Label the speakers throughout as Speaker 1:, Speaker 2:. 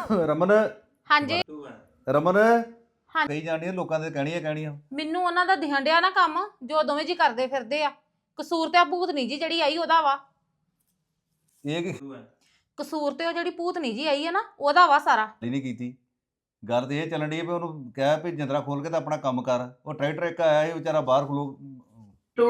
Speaker 1: ਰਮਨ
Speaker 2: ਹਾਂਜੀ
Speaker 1: ਰਮਨ
Speaker 2: ਹਾਂ।
Speaker 1: ਕਹੀ ਜਾਣੀਆਂ ਲੋਕਾਂ ਦੇ ਕਹਿਣੀਆਂ
Speaker 2: ਮੈਨੂੰ ਉਹਨਾਂ ਦਾ ਦਿਹਣ ਡਿਆ ਨਾ ਕੰਮ ਜੋ ਦੋਵੇਂ ਜੀ ਕਰਦੇ ਫਿਰਦੇ ਆ। ਕਸੂਰ ਤੇ ਆ ਭੂਤਨੀ ਜੀ ਜਿਹੜੀ ਆਈ ਉਹਦਾ ਵਾ।
Speaker 1: ਇਹ ਕੀ
Speaker 2: ਕਸੂਰ ਤੇ ਉਹ ਜਿਹੜੀ ਭੂਤਨੀ ਜੀ ਆਈ ਹੈ ਨਾ ਉਹਦਾ ਵਾ ਸਾਰਾ।
Speaker 1: ਨਹੀਂ ਕੀਤੀ ਗੱਲ ਤੇ ਇਹ ਚੱਲਣ ਦੀ ਵੀ ਉਹਨੂੰ ਕਹਿ ਵੀ ਜਿੰਦਰਾ ਖੋਲ ਕੇ ਤਾਂ ਆਪਣਾ ਕੰਮ ਕਰ। ਉਹ ਟਰੈਕਟਰ ਇੱਕ ਆਇਆ ਸੀ ਵਿਚਾਰਾ ਬਾਹਰ ਖਲੋ
Speaker 3: 2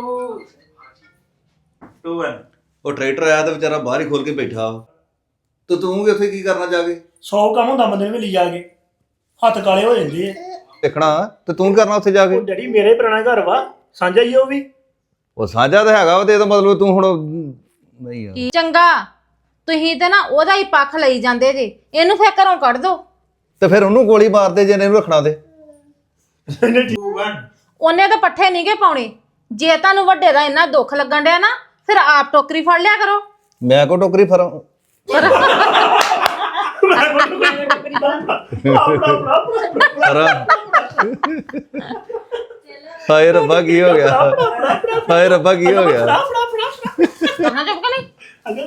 Speaker 3: 2 1
Speaker 1: ਉਹ ਟਰੈਕਟਰ ਆਇਆ ਤਾਂ ਵਿਚਾਰਾ ਬਾਹਰ ਹੀ ਖੋਲ ਕੇ ਬੈਠਾ ਤੇ ਤੂੰ ਵੀ ਉੱਥੇ ਕੀ ਕਰਨਾ ਜਾ ਕੇ
Speaker 4: 100 ਕੰਮ ਹੁੰਦਾ ਬੰਦੇ ਨੂੰ ਵੀ ਲਈ ਜਾ ਕੇ ਹੱਥ ਕਾਲੇ ਹੋ ਜਾਂਦੇ ਆ।
Speaker 1: ਦੇਖਣਾ ਤੇ ਤੂੰ ਕਰਨਾ ਉੱਥੇ ਜਾ ਕੇ
Speaker 4: ਉਹ ਡੈਡੀ ਮੇਰੇ ਪੁਰਾਣਾ ਘਰ ਵਾ ਸਾਂਝਾ ਹੀ ਆ ਉਹ ਵੀ।
Speaker 1: ਉਹ ਸਾਂਝਾ ਤਾਂ ਹੈਗਾ ਵਾ ਤੇ ਇਹਦਾ ਮਤਲਬ ਤੂੰ ਹੁਣ ਨਹੀਂ ਯਾਰ
Speaker 2: ਕੀ ਚੰਗਾ ਤੁਸੀਂ ਤੇ ਨਾ ਉਹਦਾ ਹੀ ਪੱਖ ਲਈ ਜਾਂਦੇ ਜੇ। ਇਹਨੂੰ ਫੇਰ ਘਰੋਂ ਕੱਢ ਦੋ
Speaker 1: ਤੇ ਫਿਰ ਉਹਨੂੰ ਗੋਲੀ ਮਾਰ ਦੇ ਜੇ ਇਹਨੂੰ ਰੱਖਣਾ ਤੇ
Speaker 3: 2 1
Speaker 2: ਉਹਨੇ ਤਾਂ ਪੱਠੇ ਨਹੀਂਗੇ ਪਾਉਣੇ। ਜੇ ਤੁਹਾਨੂੰ ਵੱਡੇ ਦਾ ਇੰਨਾ ਦੁੱਖ ਲੱਗਣ ਡਿਆ ਨਾ ਫਿਰ ਆਪ ਟੋਕਰੀ ਫੜ ਲਿਆ ਕਰੋ।
Speaker 1: ਮੈਂ ਕੋ ਟੋਕਰੀ ਫਰਾਂ ਹਾਏ ਰੱਬਾ ਕੀ ਹੋ ਗਿਆ ਹਾਏ ਰੱਬਾ ਕੀ ਹੋ ਗਿਆ
Speaker 2: ਕਰਨਾ ਚੁੱਪ ਕੇ ਨਹੀਂ।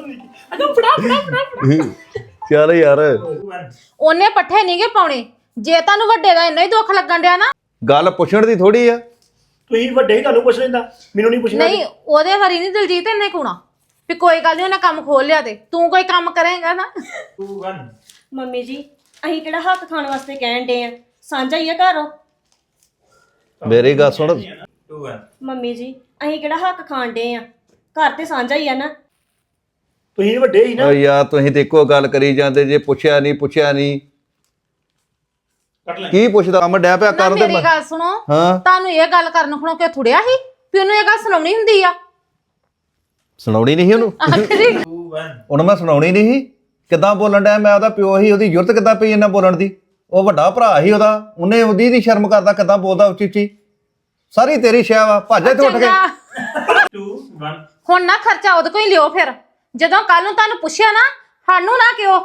Speaker 1: ਚੱਲ ਯਾਰ
Speaker 3: 2 1
Speaker 2: ਉਹਨੇ ਪੱਠੇ ਨਹੀਂਗੇ ਪਾਉਣੇ। ਜੇ ਤੁਹਾਨੂੰ ਵੱਡੇ ਦਾ ਇੰਨਾ ਹੀ ਦੁੱਖ ਲੱਗਣ ਡਿਆ ਨਾ
Speaker 1: ਗੱਲ ਪੁੱਛਣ ਦੀ ਥੋੜੀ ਆ
Speaker 4: ਤੁਸੀਂ ਵੱਡੇ ਹੀ ਤੁਹਾਨੂੰ ਪੁੱਛ ਲੈਂਦਾ ਮੈਨੂੰ ਨਹੀਂ ਪੁੱਛਣਾ।
Speaker 2: ਨਹੀਂ ਉਹਦੇ ਵਾਰੀ ਨਹੀਂ ਦਿਲਜੀਤ ਇੰਨੇ ਕੋਣਾ ਵੀ ਕੋਈ ਗੱਲ ਨਹੀਂ ਉਹਨੇ ਕੰਮ ਖੋਲ ਲਿਆ ਤੇ ਤੂੰ ਕੋਈ ਕੰਮ ਕਰੇਂਗਾ ਨਾ।
Speaker 3: 2 1
Speaker 5: ਮੰਮੀ ਜੀ ਅਸੀਂ ਕਿਹੜਾ ਹੱਕ ਖਾਣ ਵਾਸਤੇ ਕਹਿਣ ਡੇ ਆ ਸਾਂਝਾ ਹੀ ਆ ਘਰ।
Speaker 1: ਮੇਰੀ ਗੱਲ ਸੁਣ
Speaker 3: 2 1
Speaker 5: ਮੰਮੀ ਜੀ ਅਸੀਂ ਕਿਹੜਾ ਹੱਕ ਖਾਣ ਡੇ ਆ ਘਰ ਤੇ ਸਾਂਝਾ ਹੀ ਆ ਨਾ।
Speaker 4: ਤੁਸੀਂ ਵੱਡੇ ਹੀ ਨਾ।
Speaker 1: ਓ ਯਾਰ ਤੁਸੀਂ ਤੇ ਇੱਕੋ ਗੱਲ ਕਰੀ ਜਾਂਦੇ ਜੇ ਪੁੱਛਿਆ ਨਹੀਂ
Speaker 3: ਕੱਟ ਲੈ
Speaker 1: ਕੀ ਪੁੱਛਦਾ ਕੰਮ ਡੈ ਪਿਆ
Speaker 2: ਨਾ
Speaker 1: ਕਰਨ ਤੇ
Speaker 2: ਮੇਰੀ ਗੱਲ ਸੁਣੋ
Speaker 1: ਹਾਂ
Speaker 2: ਤੁਹਾਨੂੰ ਇਹ ਗੱਲ ਕਰਨ ਖਣੋ ਕਿ ਥੁੜਿਆ ਸੀ ਵੀ ਉਹਨੂੰ ਇਹ ਗੱਲ ਸੁਣਾਉਣੀ ਹੁੰਦੀ ਆ।
Speaker 1: ਸੁਣਾਉਣੀ ਨਹੀਂ ਸੀ ਉਹਨੂੰ
Speaker 2: ਆਖਰੀ
Speaker 3: 2 1
Speaker 1: ਉਹਨੂੰ ਮੈਂ ਸੁਣਾਉਣੀ ਨਹੀਂ ਸੀ। ਕਿੱਦਾਂ ਬੋਲਣ ਡਿਆ ਮੈਂ ਉਹਦਾ ਪਿਓ ਸੀ ਉਹਦੀ ਜ਼ਰੂਰਤ ਕਿੱਦਾਂ ਪਈ ਇਹਨਾਂ ਬੋਲਣ ਦੀ। ਉਹ ਵੱਡਾ ਭਰਾ ਸੀ ਉਹਦਾ ਉਹਨੇ ਉਹਦੀ ਨਹੀਂ ਸ਼ਰਮ ਕਰਦਾ ਕਿੱਦਾਂ ਬੋਲਦਾ ਉੱਚੀ ਉੱਚੀ। ਸਾਰੀ ਤੇਰੀ ਸ਼ੈ ਵਾ ਭੱਜ ਇੱਥੇ ਉੱਠ ਕੇ
Speaker 2: ਚੰਗਾ
Speaker 3: 2 1
Speaker 2: ਹੁਣ ਨਾ ਖਰਚਾ ਉਹਦੇ ਕੋਈ ਲਿਓ ਫਿਰ ਜਦੋਂ ਕੱਲ ਨੂੰ ਤੁਹਾਨੂੰ ਪੁੱਛਿਆ ਨਾ ਸਾਨੂੰ ਨਾ ਕਿਉ।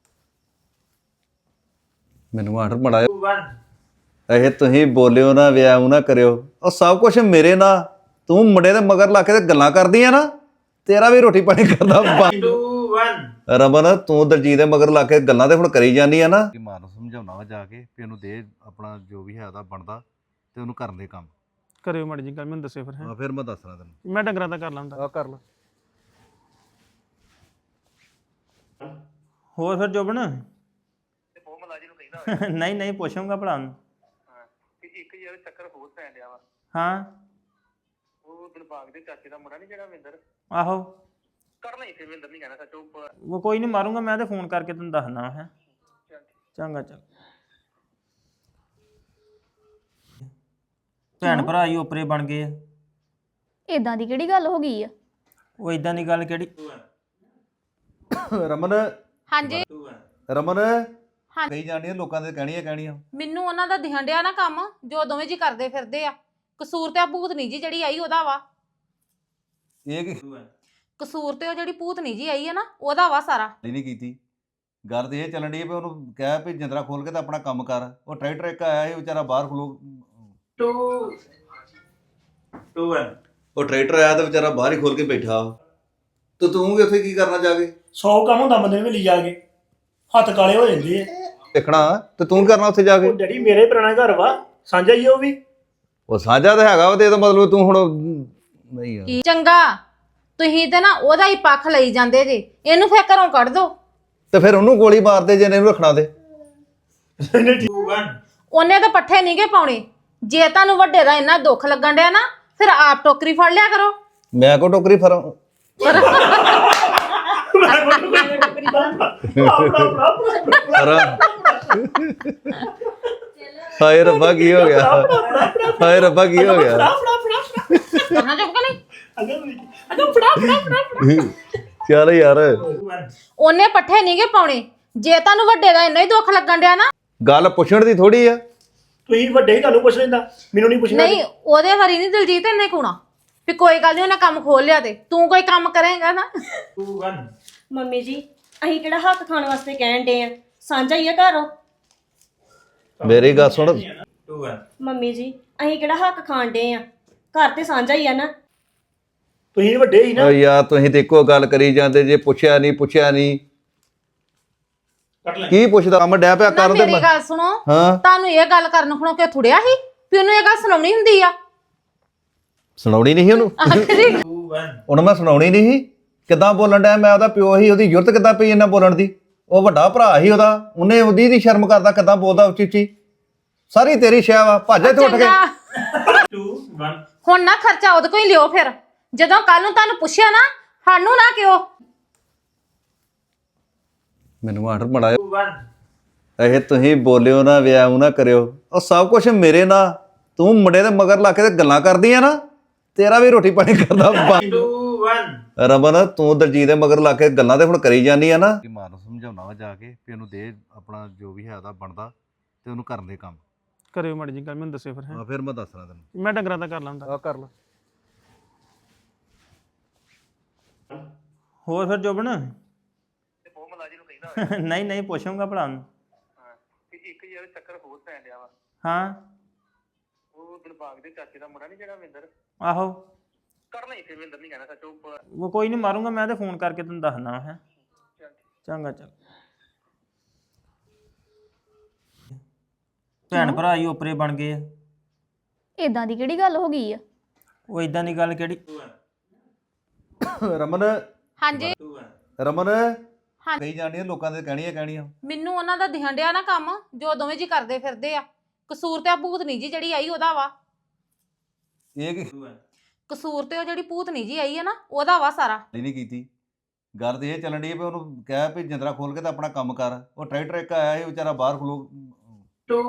Speaker 1: ਮੈਨੂੰ ਆਰਡਰ ਮੜਾਇਆ
Speaker 3: 2 1
Speaker 1: ਇਹ ਤੁਸੀਂ ਬੋਲਿਓ ਨਾ ਵਿਆਹ ਨਾ ਕਰਿਓ ਉਹ ਸਭ ਕੁਝ ਮੇਰੇ ਨਾਲ ਤੂੰ ਮੁੰਡੇ ਦੇ ਮਗਰ ਲਾ ਕੇ ਤੇ ਗੱਲਾਂ ਕਰਦੀ ਆ ਨਾ ਤੇਰਾ ਵੀ ਰੋਟੀ ਪਾਣੀ ਕਰਦਾ
Speaker 3: 2 1
Speaker 1: ਰਮਨ ਤੂੰ ਦਲਜੀਤ ਦੇ ਮਗਰ ਲਾ ਕੇ ਗੱਲਾਂ ਤੇ ਹੁਣ ਕਰੀ ਜਾਂਦੀ ਆ ਨਾ ਮਾਂ ਨੂੰ ਸਮਝਾਉਣਾ ਵਾ ਜਾ ਕੇ ਵੀ ਇਹਨੂੰ ਦੇ ਆਪਣਾ ਜੋ ਵੀ ਹੈ ਉਹਦਾ ਬਣਦਾ ਤੇ ਉਹਨੂੰ ਕਰਨ ਦੇ ਕੰਮ
Speaker 6: ਕਰਿਓ ਮਾੜੀ ਜੀ ਗੱਲ ਮੈਨੂੰ ਦੱਸਿਓ ਫਿਰ
Speaker 1: ਆ ਫਿਰ ਮੈਂ ਦੱਸਣਾ ਤੈਨੂੰ
Speaker 6: ਮੈਂ ਡੰਗਰਾਂ ਦਾ ਕਰ ਲਾਂਦਾ
Speaker 1: ਆ ਕਰ ਲੈ
Speaker 6: ਹੋਰ ਫਿਰ ਜੋਬਨ ਨਹੀਂ ਨਹੀਂ ਪੁੱਛੂੰਗਾ ਭਲਾ ਨੂੰ
Speaker 7: ਇੱਕ ਯਾਰ ਚੱਕਰ ਹੋਰ ਪੈਣ ਡਿਆ ਵਾ।
Speaker 6: ਹਾਂ
Speaker 7: ਉਹ ਦਿਲਬਾਗ ਦੇ ਚਾਚੇ ਦਾ ਮੁੰਡਾ ਨਹੀਂ ਜਿਹੜਾ ਵਿੰਦਰ
Speaker 6: ਆਹੋ
Speaker 7: ਕਰਨਾ ਹੀ ਸੀ ਵਿੰਦਰ ਨਹੀਂ ਕਹਿਣਾ ਸੱਚੋ
Speaker 6: ਉਹ ਕੋਈ ਨਹੀਂ ਮਾਰੂੰਗਾ ਮੈਂ ਤੇ ਫੋਨ ਕਰਕੇ ਤੈਨੂੰ ਦੱਸਣਾ ਹੈ ਚੰਗਾ ਚੰਗਾ ਭੈਣ ਭਰਾ ਹੀ ਓਪਰੇ ਬਣ ਗਏ ਆ।
Speaker 8: ਇਦਾਂ ਦੀ ਕਿਹੜੀ ਗੱਲ ਹੋ ਗਈ ਆ?
Speaker 6: ਉਹ ਇਦਾਂ ਦੀ ਗੱਲ ਕਿਹੜੀ
Speaker 1: ਰਮਨ
Speaker 2: ਹਾਂਜੀ
Speaker 3: 2 1
Speaker 1: ਰਮਨ
Speaker 2: ਹਾਂ।
Speaker 1: ਕਹੀ ਜਾਣੀਆਂ ਲੋਕਾਂ ਦੇ ਕਹਿਣੀਆਂ
Speaker 2: ਮੈਨੂੰ ਉਹਨਾਂ ਦਾ ਦਿਹਣ ਡਿਆ ਨਾ ਕੰਮ ਜੋ ਦੋਵੇਂ ਜੀ ਕਰਦੇ ਫਿਰਦੇ ਆ। ਕਸੂਰ ਤੇ ਆ ਭੂਤਨੀ ਜੀ ਜਿਹੜੀ ਆਈ ਉਹਦਾ ਵਾ।
Speaker 1: ਇਹ ਕੀ
Speaker 3: 2 1
Speaker 2: ਕਸੂਰ ਤੇ ਉਹ ਜਿਹੜੀ ਭੂਤਨੀ ਜੀ ਆਈ ਹੈ ਨਾ ਉਹਦਾ ਵਾ ਸਾਰਾ।
Speaker 1: ਨਹੀਂ ਕੀਤੀ ਗੱਲ ਤੇ ਇਹ ਚੱਲਣ ਦੀ ਵੀ ਉਹਨੂੰ ਕਹਿ ਵੀ ਜਿੰਦਰਾ ਖੋਲ ਕੇ ਤਾਂ ਆਪਣਾ ਕੰਮ ਕਰ। ਉਹ ਟਰੈਕਟਰ ਇੱਕ ਆਇਆ ਸੀ ਵਿਚਾਰਾ ਬਾਹਰ ਖਲੋ
Speaker 3: 2 2 1
Speaker 1: ਉਹ ਟਰੈਕਟਰ ਆਇਆ ਤਾਂ ਵਿਚਾਰਾ ਬਾਹਰ ਹੀ ਖੋਲ ਕੇ ਬੈਠਾ ਤੇ ਤੂੰ ਵੀ ਉੱਥੇ ਕੀ ਕਰਨਾ ਜਾ ਕੇ
Speaker 4: 100 ਕੰਮ ਹੁੰਦਾ ਬੰਦੇ ਨੂੰ ਵੀ ਲਈ ਜਾ ਕੇ ਹੱਥ ਕਾਲੇ ਹੋ ਜਾਂਦੇ ਆ।
Speaker 1: ਦੇਖਣਾ ਤੇ ਤੂੰ ਕਰਨਾ ਉੱਥੇ ਜਾ ਕੇ
Speaker 4: ਉਹ ਡੈਡੀ ਮੇਰੇ ਪੁਰਾਣਾ ਘਰ ਵਾ ਸਾਂਝਾ ਹੀ ਆ ਉਹ ਵੀ।
Speaker 1: ਉਹ ਸਾਂਝਾ ਤਾਂ ਹੈਗਾ ਵਾ ਤੇ ਇਹਦਾ ਮਤਲਬ ਤੂੰ ਹੁਣ ਨਹੀਂ ਯਾਰ
Speaker 2: ਕੀ ਚੰਗਾ ਤੁਸੀਂ ਤੇ ਨਾ ਉਹਦਾ ਹੀ ਪੱਖ ਲਈ ਜਾਂਦੇ ਜੇ। ਇਹਨੂੰ ਫੇਰ ਘਰੋਂ ਕੱਢ ਦੋ
Speaker 1: ਤੇ ਫਿਰ ਉਹਨੂੰ ਗੋਲੀ ਮਾਰ ਦੇ ਜੇ ਇਹਨੂੰ ਰੱਖਣਾ ਤੇ
Speaker 3: 2 1
Speaker 2: ਉਹਨੇ ਤਾਂ ਪੱਠੇ ਨਹੀਂਗੇ ਪਾਉਣੇ। ਜੇ ਤੁਹਾਨੂੰ ਵੱਡੇ ਦਾ ਇੰਨਾ ਦੁੱਖ ਲੱਗਣ ਡਿਆ ਨਾ ਫਿਰ ਆਪ ਟੋਕਰੀ ਫੜ ਲਿਆ ਕਰੋ।
Speaker 1: ਮੈਂ ਕੋ ਟੋਕਰੀ ਫਰਾਂ ਫਰਾਂ ਹਾਏ ਰੱਬਾ ਕੀ ਹੋ ਗਿਆ ਹਾਏ ਰੱਬਾ ਕੀ ਹੋ ਗਿਆ
Speaker 2: ਕਰਨਾ ਚੁੱਪ ਕੇ ਨਹੀਂ।
Speaker 1: ਚੱਲ ਯਾਰ
Speaker 3: 2 1
Speaker 2: ਉਹਨੇ ਪੱਠੇ ਨਹੀਂਗੇ ਪਾਉਣੇ। ਜੇ ਤੁਹਾਨੂੰ ਵੱਡੇ ਦਾ ਇੰਨਾ ਹੀ ਦੁੱਖ ਲੱਗਣ ਡਿਆ ਨਾ
Speaker 1: ਗੱਲ ਪੁੱਛਣ ਦੀ ਥੋੜੀ ਆ
Speaker 4: ਤੁਸੀਂ ਵੱਡੇ ਹੀ ਤੁਹਾਨੂੰ ਪੁੱਛ ਲੈਂਦਾ ਮੈਨੂੰ ਨਹੀਂ ਪੁੱਛਣਾ।
Speaker 2: ਨਹੀਂ ਉਹਦੇ ਵਾਰੀ ਨਹੀਂ ਦਿਲਜੀਤ ਇੰਨੇ ਕੋਣਾ ਵੀ ਕੋਈ ਗੱਲ ਨਹੀਂ ਉਹਨੇ ਕੰਮ ਖੋਲ ਲਿਆ ਤੇ ਤੂੰ ਕੋਈ ਕੰਮ ਕਰੇਂਗਾ ਨਾ।
Speaker 3: 2 1
Speaker 5: ਮੰਮੀ ਜੀ ਅਸੀਂ ਕਿਹੜਾ ਹੱਕ ਖਾਣ ਵਾਸਤੇ ਕਹਿਣ ਡੇ ਆ ਸਾਂਝਾ ਹੀ ਆ ਘਰ।
Speaker 1: ਮੇਰੀ ਗੱਲ ਸੁਣ
Speaker 3: 2 1
Speaker 5: ਮੰਮੀ ਜੀ ਅਸੀਂ ਕਿਹੜਾ ਹੱਕ ਖਾਣ ਡੇ ਆ ਘਰ ਤੇ ਸਾਂਝਾ ਹੀ ਆ ਨਾ।
Speaker 4: ਤੁਸੀਂ ਵੱਡੇ ਹੀ ਨਾ।
Speaker 1: ਓ ਯਾਰ ਤੁਸੀਂ ਤੇ ਇੱਕੋ ਗੱਲ ਕਰੀ ਜਾਂਦੇ ਜੇ ਪੁੱਛਿਆ ਨਹੀਂ
Speaker 3: ਕੱਟ ਲੈ
Speaker 1: ਕੀ ਪੁੱਛਦਾ ਕੰਮ ਡੈ ਪਿਆ
Speaker 2: ਨਾ
Speaker 1: ਕਰਨ ਤੇ
Speaker 2: ਮੇਰੀ ਗੱਲ ਸੁਣੋ
Speaker 1: ਹਾਂ
Speaker 2: ਤੁਹਾਨੂੰ ਇਹ ਗੱਲ ਕਰਨ ਖਣੋ ਕਿ ਥੁੜਿਆ ਸੀ ਵੀ ਉਹਨੂੰ ਇਹ ਗੱਲ ਸੁਣਾਉਣੀ ਹੁੰਦੀ ਆ
Speaker 1: ਸੁਣਾਉਣੀ ਨਹੀਂ ਸੀ ਉਹਨੂੰ
Speaker 2: ਆਖਰੀ
Speaker 3: 2 1
Speaker 1: ਉਹਨੂੰ ਮੈਂ ਸੁਣਾਉਣੀ ਨਹੀਂ ਸੀ ਕਿੱਦਾਂ ਬੋਲਣ ਡਿਆ ਮੈਂ ਉਹਦਾ ਪਿਓ ਸੀ ਉਹਦੀ ਜ਼ਰੂਰਤ ਕਿੱਦਾਂ ਪਈ ਇਹਨਾਂ ਬੋਲਣ ਦੀ ਉਹ ਵੱਡਾ ਭਰਾ ਸੀ ਉਹਦਾ ਉਹਨੇ ਉਹਦੀ ਨਹੀਂ ਸ਼ਰਮ ਕਰਦਾ ਕਿੱਦਾਂ ਬੋਲਦਾ ਉੱਚੀ ਉੱਚੀ ਸਾਰੀ ਤੇਰੀ ਸ਼ੈ ਵਾ ਭੱਜ ਇੱਥੇ ਉੱਠ ਕੇ
Speaker 2: ਚੰਗਾ
Speaker 3: 2 1
Speaker 2: ਹੁਣ ਨਾ ਖਰਚਾ ਉਹਦੇ ਕੋਈ ਲਿਓ ਫਿਰ ਜਦੋਂ ਕੱਲ ਨੂੰ ਤੁਹਾਨੂੰ ਪੁੱਛਿਆ ਨਾ ਸਾਨੂੰ ਨਾ ਕਿਉ
Speaker 1: ਮੈਨੂੰ ਆਰਡਰ ਮੜਾ
Speaker 3: 2 1
Speaker 1: ਇਹ ਤੁਸੀਂ ਬੋਲਿਓ ਨਾ ਵਿਆਹ ਨਾ ਕਰਿਓ ਉਹ ਸਭ ਕੁਝ ਮੇਰੇ ਨਾਲ ਤੂੰ ਮੁੰਡੇ ਦੇ ਮਗਰ ਲਾ ਕੇ ਤੇ ਗੱਲਾਂ ਕਰਦੀ ਆ ਨਾ ਤੇਰਾ ਵੀ ਰੋਟੀ ਪਾਣੀ ਕਰਦਾ
Speaker 3: 2 1
Speaker 1: ਰਮਨ ਤੂੰ ਦਲਜੀਤ ਦੇ ਮਗਰ ਲਾ ਕੇ ਗੱਲਾਂ ਤੇ ਹੁਣ ਕਰੀ ਜਾਂਦੀ ਆ ਨਾ ਮਾਂ ਨੂੰ ਸਮਝਾਉਣਾ ਵਾ ਜਾ ਕੇ ਵੀ ਇਹਨੂੰ ਦੇ ਆਪਣਾ ਜੋ ਵੀ ਹੈ ਉਹਦਾ ਬਣਦਾ ਤੇ ਉਹਨੂੰ ਕਰਨ ਦੇ ਕੰਮ
Speaker 6: ਕਰਿਓ ਮਾੜੀ ਜੀ ਗੱਲ ਮੈਨੂੰ ਦੱਸਿਓ ਫਿਰ
Speaker 1: ਆ ਫਿਰ ਮੈਂ ਦੱਸਣਾ ਤੈਨੂੰ
Speaker 6: ਮੈਂ ਡੰਗਰਾਂ ਦਾ ਕਰ ਲਾਂਦਾ
Speaker 1: ਆ ਕਰ ਲੈ
Speaker 6: ਹੋਰ ਫਿਰ ਜੋਬਨ
Speaker 7: ਤੇ ਉਹ ਮਲਾਜੀ ਨੂੰ ਕਹਿੰਦਾ
Speaker 6: ਨਹੀਂ ਨਹੀਂ ਪੁੱਛੂੰਗਾ ਭਲਾ ਨੂੰ
Speaker 7: ਹਾਂ ਕਿ ਇੱਕ ਯਾਰ ਚੱਕਰ ਹੋਰ ਪੈਣ ਡਿਆ ਵਾ
Speaker 6: ਹਾਂ
Speaker 7: ਉਹ ਦਿਲਬਾਗ ਦੇ ਚਾਚੇ ਦਾ ਮੁੰਡਾ ਨਹੀਂ ਜਿਹੜਾ ਵਿੰਦਰ
Speaker 6: ਆਹੋ
Speaker 7: ਕਰਨਾ ਹੀ ਫਿਰ ਵਿੰਦਰ ਨਹੀਂ ਕਹਿਣਾ ਸੱਚ ਉਹ
Speaker 6: ਉਹ ਕੋਈ ਨਹੀਂ ਮਾਰੂੰਗਾ ਮੈਂ ਤੇ ਫੋਨ ਕਰਕੇ ਤੈਨੂੰ ਦੱਸਣਾ ਹੈ ਚੰਗਾ ਚੱਲ ਭੈਣ ਭਰਾ ਹੀ ਓਪਰੇ ਬਣ ਗਏ ਆ
Speaker 8: ਇਦਾਂ ਦੀ ਕਿਹੜੀ ਗੱਲ ਹੋ ਗਈ ਆ
Speaker 6: ਉਹ ਇਦਾਂ ਦੀ ਗੱਲ ਕਿਹੜੀ
Speaker 1: ਰਮਨ
Speaker 2: ਹਾਂਜੀ
Speaker 3: 2 1
Speaker 1: ਰਮਨ
Speaker 2: ਹਾਂ।
Speaker 1: ਕਹੀ ਜਾਣੀ ਲੋਕਾਂ ਦੇ ਕਹਿਣੀਆਂ
Speaker 2: ਮੈਨੂੰ ਉਹਨਾਂ ਦਾ ਦਿਹਣ ਡਿਆ ਨਾ ਕੰਮ ਜੋ ਦੋਵੇਂ ਜੀ ਕਰਦੇ ਫਿਰਦੇ ਆ ਕਸੂਰ ਤੇ ਆ ਭੂਤਨੀ ਜੀ ਜਿਹੜੀ ਆਈ ਉਹਦਾ ਵਾ
Speaker 1: ਇਹ ਕੀ
Speaker 3: 2 1
Speaker 2: ਕਸੂਰ ਤੇ ਉਹ ਜਿਹੜੀ ਭੂਤਨੀ ਜੀ ਆਈ ਹੈ ਨਾ ਉਹਦਾ ਵਾ ਸਾਰਾ
Speaker 1: ਨਹੀਂ ਕੀਤੀ ਗੱਲ ਤੇ ਇਹ ਚੱਲਣ ਦੀ ਵੀ ਉਹਨੂੰ ਕਹਿ ਵੀ ਜਿੰਦਰਾ ਖੋਲ ਕੇ ਤਾਂ ਆਪਣਾ ਕੰਮ ਕਰ ਉਹ ਟਰੈਕਟਰ ਇੱਕ ਆਇਆ ਸੀ ਵਿਚਾਰਾ ਬਾਹਰ ਖਲੋ
Speaker 3: 2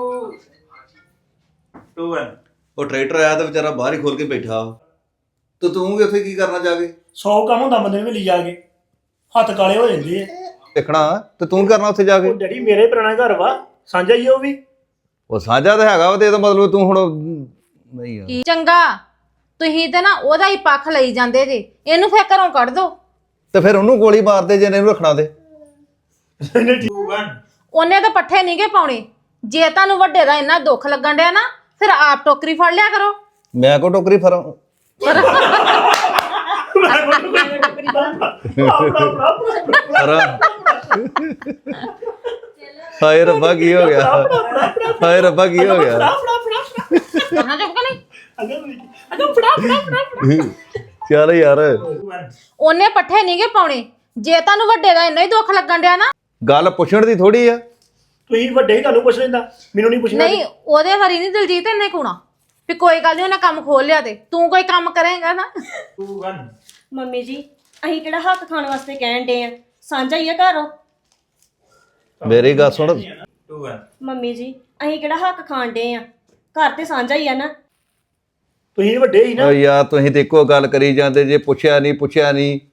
Speaker 3: 2 1
Speaker 1: ਉਹ ਟਰੈਕਟਰ ਆਇਆ ਤਾਂ ਵਿਚਾਰਾ ਬਾਹਰ ਹੀ ਖੋਲ ਕੇ ਬੈਠਾ ਤੇ ਤੂੰ ਵੀ ਉੱਥੇ ਕੀ ਕਰਨਾ ਜਾ ਕੇ
Speaker 4: 100 ਕੰਮ ਹੁੰਦਾ ਬੰਦੇ ਨੂੰ ਵੇਲੀ ਜਾ ਕੇ ਹੱਥ ਕਾਲੇ ਹੋ ਜਾਂਦੇ ਆ
Speaker 1: ਦੇਖਣਾ ਤੇ ਤੂੰ ਕਰਨਾ ਉੱਥੇ ਜਾ ਕੇ
Speaker 4: ਉਹ ਡੈਡੀ ਮੇਰੇ ਪੁਰਾਣਾ ਘਰ ਵਾ ਸਾਂਝਾ ਹੀ ਆ ਉਹ ਵੀ
Speaker 1: ਉਹ ਸਾਂਝਾ ਤਾਂ ਹੈਗਾ ਵਾ ਤੇ ਇਹਦਾ ਮਤਲਬ ਤੂੰ ਹੁਣ ਨਹੀਂ ਯਾਰ
Speaker 2: ਕੀ ਚੰਗਾ ਤੁਸੀਂ ਤੇ ਨਾ ਉਹਦਾ ਹੀ ਪੱਖ ਲਈ ਜਾਂਦੇ ਜੇ ਇਹਨੂੰ ਫੇਰ ਘਰੋਂ ਕੱਢ ਦੋ
Speaker 1: ਤੇ ਫਿਰ ਉਹਨੂੰ ਗੋਲੀ ਮਾਰ ਦੇ ਜੇ ਇਹਨੂੰ ਰੱਖਣਾ ਤੇ
Speaker 3: 2 1
Speaker 2: ਉਹਨੇ ਤਾਂ ਪੱਠੇ ਨਹੀਂਗੇ ਪਾਉਣੇ ਜੇ ਤੁਹਾਨੂੰ ਵੱਡੇ ਦਾ ਇੰਨਾ ਦੁੱਖ ਲੱਗਣ ਡਿਆ ਨਾ ਫਿਰ ਆਪ ਟੋਕਰੀ ਫੜ ਲਿਆ ਕਰੋ
Speaker 1: ਮੈਂ ਕੋ ਟੋਕਰੀ ਫਰਾਂ ਫਰਾਂ ਹਾਏ ਰੱਬਾ ਕੀ ਹੋ ਗਿਆ ਹਾਏ ਰੱਬਾ ਕੀ ਹੋ ਗਿਆ
Speaker 2: ਕਹਾਂ ਚੁੱਪ ਕਿ ਨਹੀਂ
Speaker 1: ਚੱਲ ਯਾਰ
Speaker 3: 2 1
Speaker 2: ਉਹਨੇ ਪੱਠੇ ਨਹੀਂਗੇ ਪਾਉਣੇ ਜੇ ਤੁਹਾਨੂੰ ਵੱਡੇ ਦਾ ਇੰਨਾ ਹੀ ਦੁੱਖ ਲੱਗਣ ਡਿਆ ਨਾ
Speaker 1: ਗੱਲ ਪੁੱਛਣ ਦੀ ਥੋੜੀ ਆ
Speaker 4: ਤੁਸੀਂ ਵੱਡੇ ਹੀ ਤੁਹਾਨੂੰ ਪੁੱਛ ਲੈਂਦਾ ਮੈਨੂੰ ਨਹੀਂ ਪੁੱਛਣਾ
Speaker 2: ਨਹੀਂ ਉਹਦੇ ਵਾਰੀ ਨਹੀਂ ਦਿਲਜੀਤ ਇੰਨੇ ਕੋਣਾ ਵੀ ਕੋਈ ਗੱਲ ਨਹੀਂ ਉਹਨੇ ਕੰਮ ਖੋਲ ਲਿਆ ਤੇ ਤੂੰ ਕੋਈ ਕੰਮ ਕਰੇਂਗਾ ਨਾ
Speaker 3: 2 1
Speaker 5: ਮੰਮੀ ਜੀ ਅਸੀਂ ਕਿਹੜਾ ਹੱਕ ਖਾਣ ਵਾਸਤੇ ਕਹਿਣ ਡੇ ਆ ਸਾਂਝਾ ਹੀ ਆ ਘਰ
Speaker 1: ਮੇਰੀ ਗੱਲ ਸੁਣ
Speaker 3: 2 1
Speaker 5: ਮੰਮੀ ਜੀ ਅਸੀਂ ਕਿਹੜਾ ਹੱਕ ਖਾਣ ਡੇ ਆ ਘਰ ਤੇ ਸਾਂਝਾ ਹੀ ਆ ਨਾ
Speaker 4: ਤੁਸੀਂ ਵੱਡੇ ਹੀ ਨਾ
Speaker 1: ਓ ਯਾਰ ਤੁਸੀਂ ਤੇ ਇੱਕੋ ਗੱਲ ਕਰੀ ਜਾਂਦੇ ਜੇ ਪੁੱਛਿਆ ਨਹੀਂ